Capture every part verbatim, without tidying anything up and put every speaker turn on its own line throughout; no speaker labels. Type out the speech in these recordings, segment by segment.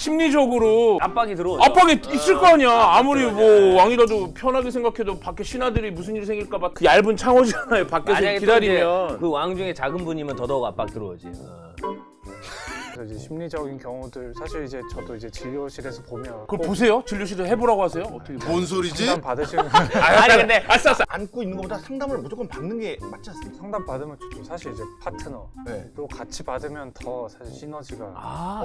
심리적으로
압박이 들어오죠.
압박이 있을 거 아니야. 아무리 뭐 왕이라도 편하게 생각해도 밖에 신하들이 무슨 일이 생길까 봐 그 얇은 창호지잖아요. 밖에서
만약에
기다리면.
그 왕 중에 작은 분이면 더더욱 압박 들어오지. 어.
그래서 이제 심리적인 경우들 사실 이제 저도 이제 진료실에서 보면
그걸 보세요. 진료실에 해보라고 하세요. 어떻게?
뭔 소리지?
상담 받으시는
아니 근데
아싸 아싸.
안고 있는 것보다 상담을 무조건 받는 게 맞지 않습니까?
상담 받으면 좋죠. 사실 이제 파트너
네.
또 같이 받으면 더 사실 시너지가
아,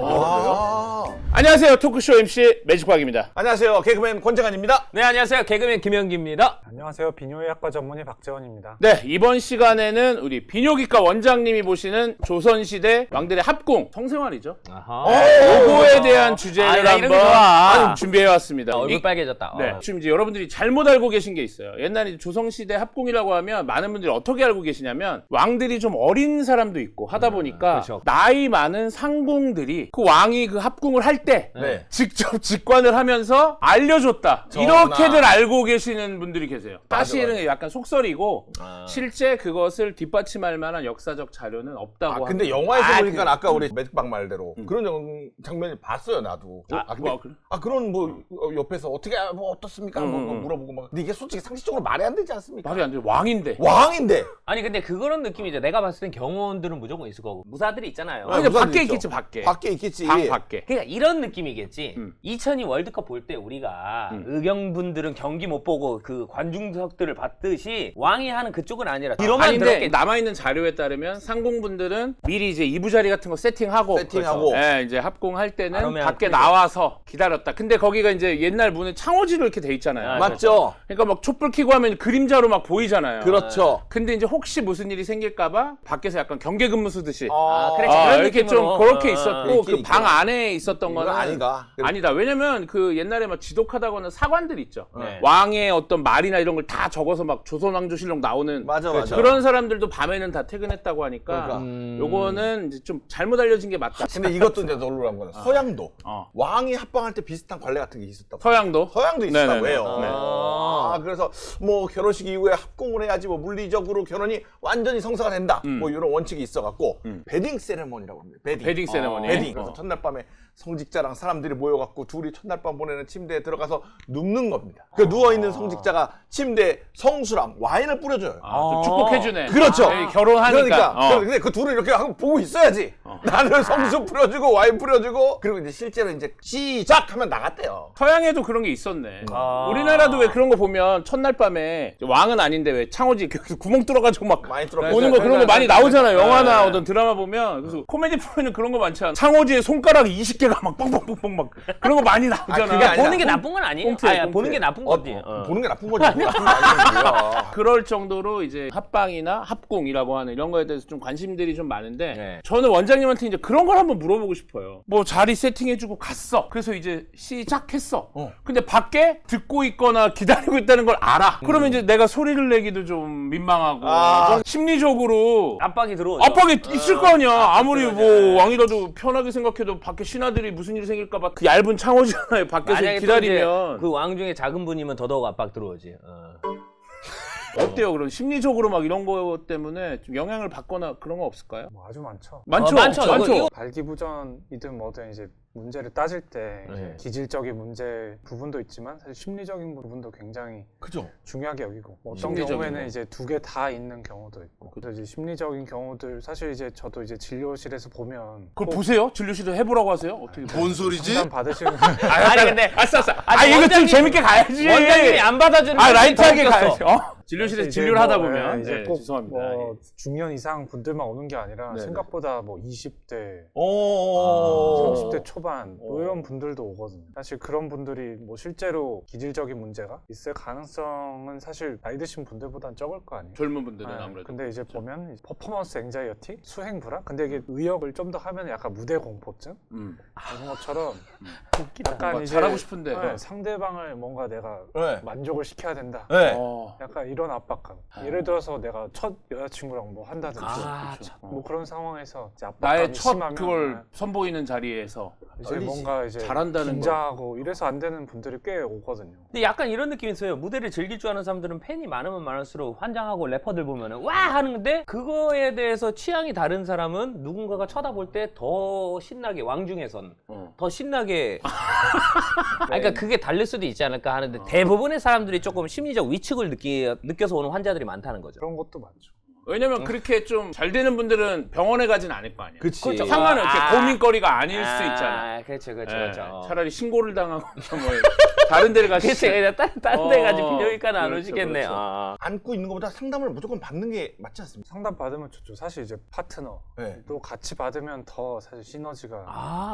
아,
안녕하세요. 토크쇼 엠씨 매직박입니다.
안녕하세요. 개그맨 권재관입니다.
네 안녕하세요 개그맨 김영기입니다.
안녕하세요. 비뇨의학과 전문의 박재원입니다.
네, 이번 시간에는 우리 비뇨기과 원장님이 보시는 조선시대 왕들의 합궁 성생활이죠.
아하.
요거에 대한 주제를
아, 나 이런 거
한번
좋아.
준비해왔습니다.
얼굴
이-
빨개졌다.
네,
어.
지금 이제 여러분들이 잘못 알고 계신 게 있어요. 옛날에 조선시대 합궁이라고 하면 많은 분들이 어떻게 알고 계시냐면 왕들이 좀 어린 사람도 있고 하다 보니까
그렇죠.
나이 많은 상공들이 그 왕이 그 합궁을 할 때
네.
직접 직관을 하면서 알려줬다.
전하.
이렇게들 알고 계시는 분들이 계세요.
맞아,
사실은
맞아.
약간 속설이고
아.
실제 그것을 뒷받침할 만한 역사적 자료는 없다고
아, 근데
합니다.
영화에서
아,
보니까
그-
아까 우리 매직박 말대로
음.
그런 영- 장면을 봤어요, 나도.
아,
아, 근데,
뭐, 그래?
아, 그런 뭐 어, 옆에서 어떻게 뭐 어떻습니까?
음,
뭐, 뭐
음.
물어보고 막. 근데 이게 솔직히 상식적으로 말이 안 되지 않습니까?
말이 안 돼. 왕인데.
왕인데.
아니 근데 그런 느낌이죠. 내가 봤을 땐 경호원들은 무조건 있을 거고 무사들이 있잖아요.
아,
아니, 근데
무사들
밖에
있죠.
있겠지, 밖에.
밖에 있겠지.
방 밖에.
그러니까 이런 느낌이겠지.
음.
이천이 월드컵 볼 때 우리가
음.
의경분들은 경기 못 보고 그 관중석들을 봤듯이 왕이 하는 그쪽은 아니라 뒤로만
아닌데
들었겠지.
남아있는 자료에 따르면 상공분들은 미리 이제 이부자리 같은 거 세팅하고
세팅하고.
예, 이제 합공할 때는
그러면
밖에
그죠.
나와서 기다렸다. 근데 거기가 이제 옛날 문은 창호지로 이렇게 돼 있잖아요.
아,
맞죠?
그러니까 막 촛불 켜고 하면 그림자로 막 보이잖아요.
그렇죠.
근데 이제 혹시 무슨 일이 생길까봐 밖에서 약간 경계근무 쓰듯이
아, 그래,
아,
그런
이렇게
느낌으로.
좀 그렇게
어,
있었고
있긴
그 방
있구나.
안에 있었던
이건
거는
아니다.
아니다. 왜냐면 그 옛날에 막 지독하다거나 사관들 있죠.
네.
왕의 어떤 말이나 이런 걸 다 적어서 막 조선왕조실록 나오는
맞아, 맞아.
그런 사람들도 밤에는 다 퇴근했다고 하니까
그러니까.
음.
요거는 이제 좀 잘못 알려진 게 맞다.
근데 이것도 이제 놀라운 거는 서양도
어.
왕이 합방할 때 비슷한 관례 같은 게 있었다고.
서양도
서양도 있었다고
네네네.
해요.
네.
아, 그래서 뭐 결혼식 이후에 합공을 해야지 뭐 물리적으로 결혼이 완전히 성사가 된다.
음.
뭐 이런 원칙이 있어갖고
음.
베딩 세레머니라고 합니다. 베딩.
베딩 세레머니.
베딩.
어.
그래서 첫날 밤에 성직자랑 사람들이 모여갖고 둘이 첫날 밤 보내는 침대에 들어가서 눕는 겁니다. 그 누워있는 성직자가 침대에 성수랑 와인을 뿌려줘요.
아, 좀 축복해주네.
그렇죠.
아, 결혼하니까.
그러니까.
어.
근데 그 둘을 이렇게 하고 보고 있어야지. 나는 성수 뿌려주고 와인 뿌려주고 그리고 이제 실제로 이제 시작하면 나갔대요.
서양에도 그런 게 있었네.
아.
우리나라도 왜 그런 거 보면 첫날 밤에 왕은 아닌데 왜 창호지 이렇게 구멍 뚫어가지고 막
많이 뚫어.
오는 거 그런 거 많이 나오잖아요.
네.
영화나 어떤 드라마 보면. 그래서 코미디 프로에는 그런 거 많잖아. 창호지에 손가락 이십 개가 막 뻥뻥뻥뻥 막 그런 거 많이 나오잖아.
그게 아니라
보는 게 나쁜 건 아니에요.
꽁트예요,
아니,
꽁트.
보는 게 나쁜
어,
거지. 어.
보는 게 나쁜 거지. 뭐 나쁜 거 아니야.
그럴 정도로 이제 합방이나 합궁이라고 하는 이런 거에 대해서 좀 관심들이 좀 많은데
네.
저는 원장님한테 이제 그런 걸 한번 물어보고 싶어요. 뭐 자리 세팅해주고 갔어. 그래서 이제 시작했어.
어.
근데 밖에 듣고 있거나 기다리고 있다는 걸 알아. 그러면
음.
이제 내가 소리를 내기도 좀 민망하고
아.
좀 심리적으로
압박이 들어오죠.
압박이 있을 거 아니야. 아무리
맞아.
뭐 왕이라도 편하게 생각해도 밖에 신하들이 무슨 일이 생길까봐 그 얇은 창호지잖아요. 밖에서
만약에
기다리면
그 왕 중에 작은 분이면 더더욱 압박 들어오지. 어.
어때요? 그럼 심리적으로 막 이런 거 때문에 좀 영향을 받거나 그런 거 없을까요?
뭐 아주 많죠.
많죠.
어, 많죠.
많죠.
이거- 이거-
발기부전이든 뭐든 이제 문제를 따질 때 이제
네.
기질적인 문제 부분도 있지만 사실 심리적인 부분도 굉장히
그죠?
중요하게 여기고 뭐 어떤
심리적인
경우에는
거.
이제 두 개 다 있는 경우도 있고 그래서 이제 심리적인 경우들 사실 이제 저도 이제 진료실에서 보면
그걸
꼭
보세요. 진료실에 해보라고 하세요. 어떻게?
뭔 소리지?
상담 받으시는
아니 근데
아싸 아싸. 아
아니,
이거 좀
원장님이-
재밌게 가야지.
원장님이 안 받아주는
아
게
라이트하게
더 웃겼어.
가야지. 어? 진료실에서
이제
진료를
뭐,
하다
예,
보면
이제
네,
꼭
죄송합니다.
뭐
예.
중년 이상 분들만 오는 게 아니라
네네.
생각보다 뭐 이십 대
오.
삼십 대 초반 뭐 이런 분들도 오거든요. 사실 그런 분들이 뭐 실제로 기질적인 문제가 있을 가능성은 사실 나이 드신 분들보다는 적을 거 아니에요.
젊은 분들은
네,
아무래도.
근데 이제 보면 이제 퍼포먼스 앵자이어티, 수행 불안. 근데 이게 의역을 좀 더 하면 약간 무대 공포증
음.
이런 것처럼 약간
뭔가
이제
잘하고 싶은데.
네, 상대방을 뭔가 내가
네.
만족을 시켜야 된다.
네.
어.
약간 이런 이런 압박감.
아.
예를 들어서 내가 첫 여자친구랑 뭐 한다든지
아,
그쵸.
참.
뭐 그런 상황에서 이제 압박감이
나의 첫
심하면
그걸 선보이는 자리에서
이제
떨리지.
뭔가 이제
잘한다는
긴장하고 이래서 안 되는 분들이 꽤 오거든요.
근데 약간 이런 느낌이 있어요. 무대를 즐길 줄 아는 사람들은 팬이 많으면 많을수록 환장하고 래퍼들 보면은 와 하는데 그거에 대해서 취향이 다른 사람은 누군가가 쳐다볼 때 더 신나게 왕중에선
어.
더 신나게 아, 그러니까 그게 다를 수도 있지 않을까 하는데 대부분의 사람들이 조금 심리적 위축을 느끼, 느껴서 오는 환자들이 많다는 거죠.
그런 것도 많죠.
왜냐면 그렇게 좀 잘 되는 분들은 병원에 가진 않을 거 아니에요.
그치.
그렇죠.
상관은 이렇게
아.
고민거리가 아닐 수 있잖아.
아, 그렇죠, 그렇죠,
예,
그렇죠.
차라리 신고를 당하고 뭐 다른 데를
그렇지,
가시지.
그냥 다른, 다른 데 가지
어,
비뇨기과는 안
그렇죠,
오시겠네.
그렇죠.
아.
안고 있는 것보다 상담을 무조건 받는 게 맞지 않습니까?
상담 받으면 좋죠. 사실 이제 파트너
네.
또 같이 받으면 더 사실 시너지가
아,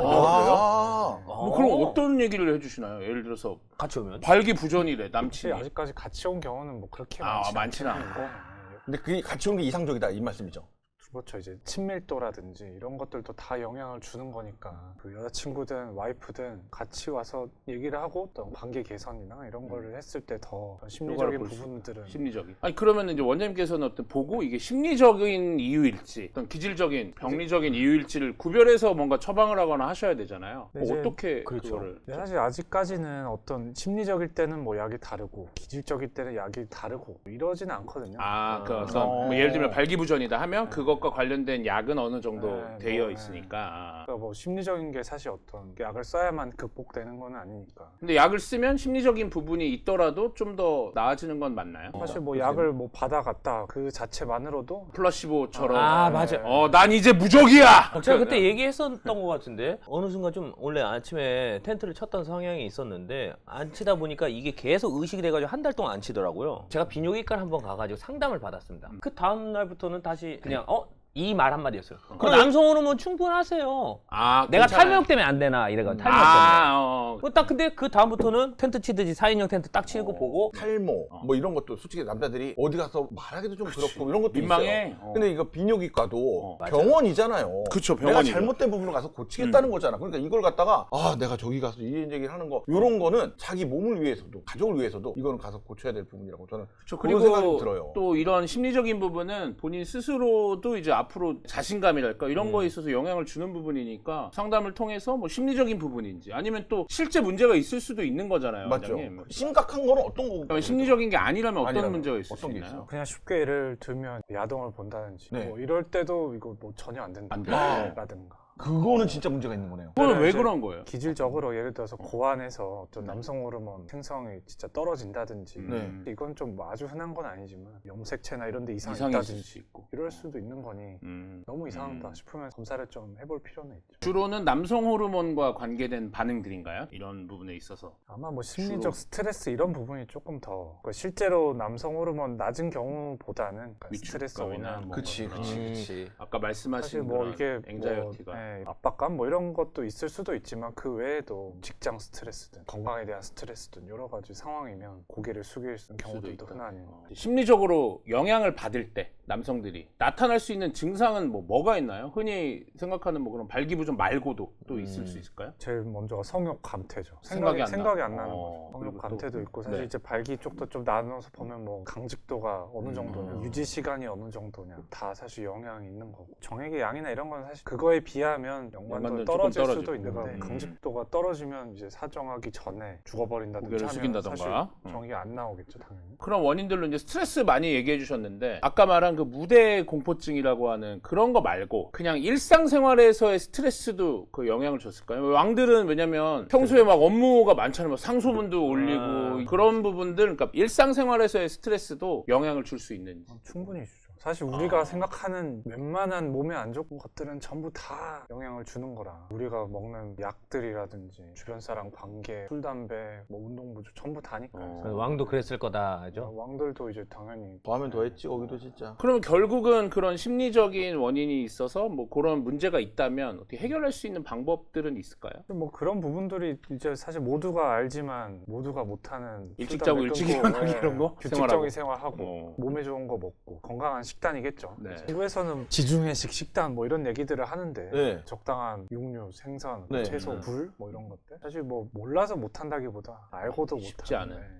아,
뭐 그럼 어떤 얘기를 해주시나요? 예를 들어서
같이 오면?
발기부전이래
혹시
남친이.
아직까지 같이 온 경우는 뭐 그렇게
아,
많지
많지는
않긴
않고.
한데,
근데 그게 같이 온 게 이상적이다 이 말씀이죠.
그렇죠. 이제 친밀도라든지 이런 것들도 다 영향을 주는 거니까 그 여자친구든 와이프든 같이 와서 얘기를 하고 또 관계 개선이나 이런 거를 했을 때 더 심리적인
볼수
부분들은
심리적인. 아니 그러면 이제 원장님께서는 어떤 보고 이게 심리적인 이유일지, 어떤 기질적인, 병리적인 이유일지를 구별해서 뭔가 처방을 하거나 하셔야 되잖아요.
네,
뭐
이제
어떻게
그렇죠.
그거를?
근데 사실 아직까지는 어떤 심리적일 때는 뭐 약이 다르고 기질적일 때는 약이 다르고 이러지는 않거든요.
아, 그 어떤
어.
뭐 예를 들면 발기부전이다 하면 그것과 관련된 약은 어느 정도
네,
되어
뭐,
있으니까.
그러니까 뭐 심리적인 게 사실 어떤 약을 써야만 극복되는 건 아니니까.
근데 약을 쓰면 심리적인 부분이 있더라도 좀 더 나아지는 건 맞나요?
사실 뭐
그러세요?
약을 뭐 받아갔다 그 자체만으로도
플라시보처럼.
아, 맞아.
어, 난 이제 무적이야.
제가 그때 얘기했었던 것 같은데 어느 순간 좀 원래 아침에 텐트를 쳤던 성향이 있었는데 안 치다 보니까 이게 계속 의식이 돼가지고 한 달 동안 안 치더라고요. 제가 비뇨기과를 한번 가가지고 상담을 받았습니다. 그 다음 날부터는 다시 그냥 어? 이 말 한마디였어요. 그 남성 호르몬 충분하세요.
아,
내가
괜찮아요.
탈모역 때문에 안 되나 이래가 탈모역 때문에.
아, 어.
그 딱 근데 그 다음부터는 텐트 치듯이 사 인용 텐트 딱 치고
어.
보고
탈모
어.
뭐 이런 것도 솔직히 남자들이 어디 가서 말하기도 좀 그렇고 이런 것도
민망해.
있어요.
어.
근데 이거 비뇨기과도
어,
맞아요.
병원이잖아요.
그쵸,
내가
병원이죠.
잘못된 부분을 가서 고치겠다는 거잖아. 그러니까 이걸 갖다가 아 내가 저기 가서 이런 얘기를 하는 거 이런 거는 자기 몸을 위해서도 가족을 위해서도 이거는 가서 고쳐야 될 부분이라고 저는
그렇죠.
그런 생각이
그리고
들어요.
또 이런 심리적인 부분은 본인 스스로도 이제 앞으로 자신감이랄까 이런
음.
거에 있어서 영향을 주는 부분이니까 상담을 통해서 뭐 심리적인 부분인지 아니면 또 실제 문제가 있을 수도 있는 거잖아요.
맞죠.
원장님.
심각한 거는 어떤 거고?
그러면 심리적인 게 아니라면 어떤
아니라면
문제가 있을
어떤
수
게
있나요?
있어요?
그냥 쉽게 예를 들면 야동을 본다든지
네.
뭐 이럴 때도 이거 뭐 전혀 안 된다.
안 돼.
라든가.
그거는 진짜 문제가 있는 거네요.
그거는 왜
이제
그런 거예요?
기질적으로 예를 들어서 고안에서 어떤 남성 호르몬 생성이 진짜 떨어진다든지
네.
이건 좀 뭐 아주 흔한 건 아니지만 염색체나 이런 데 이상이
이상이 있을
있다든지
수 있고.
이럴 수도 있는 거니
음.
너무 이상하다
음.
싶으면 검사를 좀 해볼 필요는 있죠.
주로는 남성 호르몬과 관계된 반응들인가요? 이런 부분에 있어서.
아마 뭐 심리적
주로.
스트레스 이런 부분이 조금 더 그러니까 실제로 남성 호르몬 낮은 경우보다는 그러니까 스트레스
위축감이나
오나
뭐
그치,
그런
그치,
음.
그치.
아까
사실
말씀하신
뭐
그런
이게
앵자이어티가.
뭐, 예, 압박감 뭐 이런 것도 있을 수도 있지만 그 외에도 직장 스트레스든 건강에 대한 스트레스든 여러 가지 상황이면 고개를 숙일 수 있는
수도
경우들도
있다.
흔하니
어. 심리적으로 영향을 받을 때 남성들이 나타날 수 있는 증상은 뭐 뭐가 있나요? 흔히 생각하는 뭐 그런 발기부전 말고도 또 있을
음.
수 있을까요?
제일 먼저가 성욕 감퇴죠.
생각이
생각이,
안
생각이
나.
안 나는
어,
거죠. 성욕
그리고
감퇴도
또-
있고 사실
네.
이제 발기 쪽도 좀 나눠서 보면 뭐 강직도가 어느 정도냐,
음.
유지 시간이 어느 정도냐 다 사실 영향이 있는 거고 정액의 양이나 이런 건 사실 그거에 비하면 연관도
연관도는
떨어질
조금
수도
떨어지고.
있는데
음.
강직도가 떨어지면 이제 사정하기 전에 죽어버린다든지
고개를
하면
숙인다던가.
사실
음.
정액이 안 나오겠죠 당연히.
그런 원인들로 이제 스트레스 많이 얘기해 주셨는데 아까 말한 그 무대 공포증이라고 하는 그런 거 말고 그냥 일상생활에서의 스트레스도 그 영향을 줬을까요? 왕들은 왜냐면 평소에 막 업무가 많잖아요. 막 상소문도 올리고
아.
그런 부분들 그러니까 일상생활에서의 스트레스도 영향을 줄 수 있는지.
어, 충분히 주죠. 사실 우리가
아.
생각하는 웬만한 몸에 안 좋은 것들은 전부 다 영향을 주는 거라. 우리가 먹는 약들이라든지 주변 사람 관계, 술, 담배, 뭐 운동부주 전부 다니까요.
어.
왕도 그랬을 거다, 그죠?
왕들도 이제 당연히
더하면 더했지 거기도 진짜.
그러면 결국은 그런 심리적인 원인이 있어서 뭐 그런 문제가 있다면 어떻게 해결할 수 있는 방법들은 있을까요?
뭐 그런 부분들이 이제 사실 모두가 알지만 모두가 못하는
일찍
술,
자고
담배
일찍
끊고,
일어나기
예,
이런 거?
규칙적인
생활하고.
생활하고
어.
몸에 좋은 거 먹고 건강한 식단이겠죠.
네.
한국에서는 지중해식 식단 뭐 이런 얘기들을 하는데
네.
적당한 육류, 생선, 뭐
네.
채소,
음.
굴 뭐 이런 것들 사실 뭐 몰라서 못한다기보다 알고도
쉽지
못하는
않은.
네.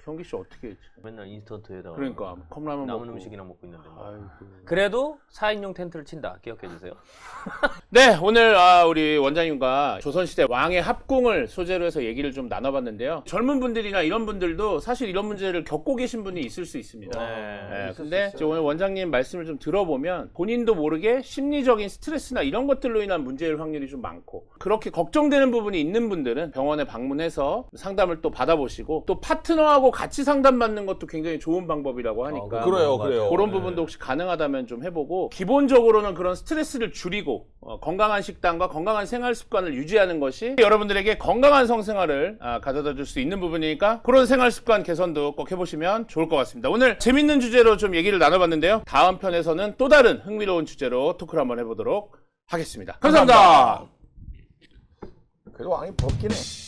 경기 씨 어떻게 했지?
맨날 인스턴트에다가
그러니까 컵라면
남은
먹고.
음식이나 먹고 있는데 뭐.
아이고.
그래도 사 인용 텐트를 친다. 기억해 주세요.
네, 오늘 아, 우리 원장님과 조선시대 왕의 합궁을 소재로 해서 얘기를 좀 나눠봤는데요. 젊은 분들이나 이런 분들도 사실 이런 문제를 겪고 계신 분이 있을 수 있습니다. 네,
있을
근데
수
이제
있어요.
오늘 원장님 말씀을 좀 들어보면 본인도 모르게 심리적인 스트레스나 이런 것들로 인한 문제일 확률이 좀 많고 그렇게 걱정되는 부분이 있는 분들은 병원에 방문해서 상담을 또 받아보시고 또 파트너하고 같이 상담받는 것도 굉장히 좋은 방법이라고 하니까
아,
그래요, 그래요.
그런
네.
부분도 혹시 가능하다면 좀 해보고 기본적으로는 그런 스트레스를 줄이고 어, 건강한 식단과 건강한 생활 습관을 유지하는 것이 여러분들에게 건강한 성생활을 아, 가져다 줄 수 있는 부분이니까 그런 생활 습관 개선도 꼭 해보시면 좋을 것 같습니다. 오늘 재밌는 주제로 좀 얘기를 나눠봤는데요. 다음 편에서는 또 다른 흥미로운 주제로 토크를 한번 해보도록 하겠습니다. 감사합니다.
그래도 왕이 부럽긴 해.